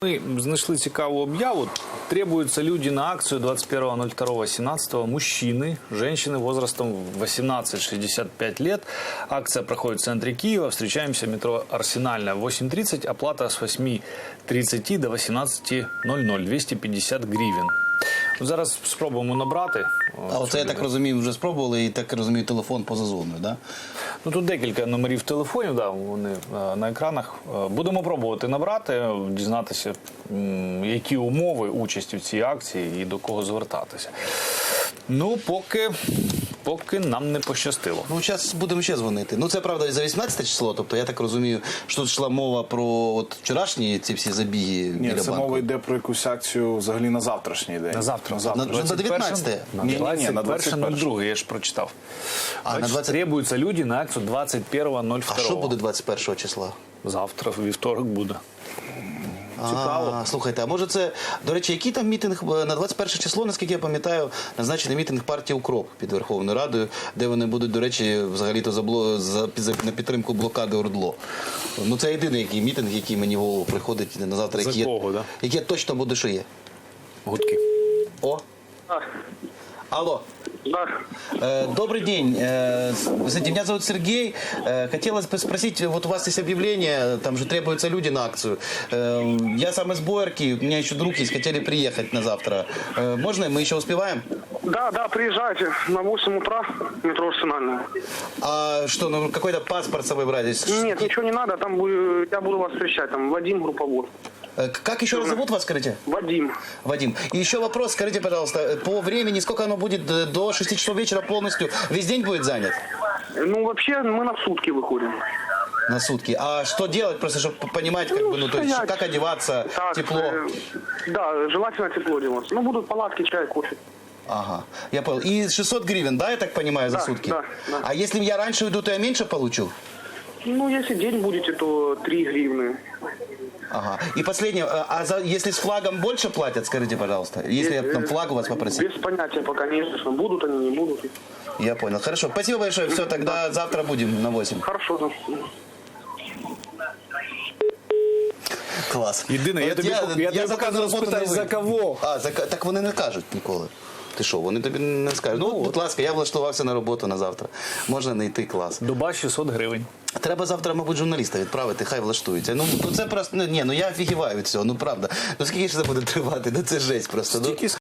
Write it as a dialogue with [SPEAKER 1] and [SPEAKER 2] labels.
[SPEAKER 1] Мы знайшли цікаву объяву. Требуются люди на акцию 21.02.17. Мужчины, женщины возрастом 18-65 лет. Акция проходит в центре Киева. Встречаемся в метро Арсенальная. 8:30. Оплата с 8:30 до 18:00. 250 гривен. Зараз спробуємо набрати.
[SPEAKER 2] А оце, я так розумію, вже спробували і, так розумію, телефон поза зоною, так? Да?
[SPEAKER 1] Ну, тут декілька номерів телефонів, да, вони на екранах. Будемо пробувати набрати, дізнатися, які умови участі в цій акції і до кого звертатися. Ну, поки нам не пощастило.
[SPEAKER 2] Ну, зараз будемо ще дзвонити. Ну, це, правда, за 18 число, тобто, я так розумію, що тут йшла мова про от вчорашні ці всі забіги біля банку.
[SPEAKER 3] Ні, це мова йде про якусь акцію взагалі на завтрашній день.
[SPEAKER 1] На завтра.
[SPEAKER 2] На 19-те?
[SPEAKER 1] На
[SPEAKER 3] Ні, на
[SPEAKER 1] 21.02, я ж прочитав.
[SPEAKER 2] А, на 20...
[SPEAKER 1] Требуються люди на акцію 21.02.
[SPEAKER 2] А що буде 21 числа?
[SPEAKER 1] Завтра, вівторок буде.
[SPEAKER 2] Цікаво. Слухайте, а може це, до речі, який там мітинг на 21 число, наскільки я пам'ятаю, назначений мітинг партії «Укроп» під Верховною Радою, де вони будуть, до речі, взагалі-то на підтримку блокади ОРДЛО. Ну, це єдиний мітинг, який мені в голову приходить на завтра, який точно буде, що є.
[SPEAKER 1] Гудки.
[SPEAKER 2] О! Алло.
[SPEAKER 4] Да.
[SPEAKER 2] Добрый день. Знаете, меня зовут Сергей. Хотелось бы спросить, вот у вас есть объявление, там же требуются люди на акцию. Я сам из Боярки, у меня еще друг есть, хотели приехать на завтра. Можно? Мы еще успеваем?
[SPEAKER 4] Да, приезжайте на 8 утра, метро Арсенальная.
[SPEAKER 2] А что, ну какой-то паспорт с собой брать?
[SPEAKER 4] Нет, ничего не надо, там я буду вас встречать, там Вадим, групповод.
[SPEAKER 2] Как еще раз зовут вас, скажите?
[SPEAKER 4] Вадим.
[SPEAKER 2] Вадим. И еще вопрос, скажите, пожалуйста, по времени, сколько оно будет до 6 часов вечера полностью? Весь день будет занят?
[SPEAKER 4] Ну, вообще, мы на сутки выходим.
[SPEAKER 2] На сутки. А что делать, просто чтобы понимать, как бы, ну, то есть, как одеваться,
[SPEAKER 4] Так,
[SPEAKER 2] тепло?
[SPEAKER 4] Да, желательно тепло одеваться. Ну, будут палатки, чай, кофе.
[SPEAKER 2] Ага, я понял. И 600 гривен, да, я так понимаю, за
[SPEAKER 4] Да,
[SPEAKER 2] сутки?
[SPEAKER 4] да.
[SPEAKER 2] А если я раньше уйду, то я меньше получу?
[SPEAKER 4] Ну, если день будете, то 3 гривны.
[SPEAKER 2] Ага. И последнее, если с флагом больше платят, скажите, пожалуйста, если я там флаг у вас попросил?
[SPEAKER 4] Без понятия пока, конечно, будут они, не будут.
[SPEAKER 2] Я понял. Хорошо, спасибо большое. Все, тогда завтра будем на 8.
[SPEAKER 4] Хорошо, да.
[SPEAKER 2] Клас.
[SPEAKER 1] Єдине, я тобі показував спитати, за кого?
[SPEAKER 2] Так вони не кажуть ніколи. Ти що, вони тобі не скажуть. Ну, будь ласка, я влаштувався на роботу на завтра. Можна не йти, клас.
[SPEAKER 1] Доба 600 гривень.
[SPEAKER 2] Треба завтра, мабуть, журналіста відправити, хай влаштуються. Ну, це просто, ні, ну я офігіваю від цього, ну правда. Ну скільки ж це буде тривати? Ну це жесть просто.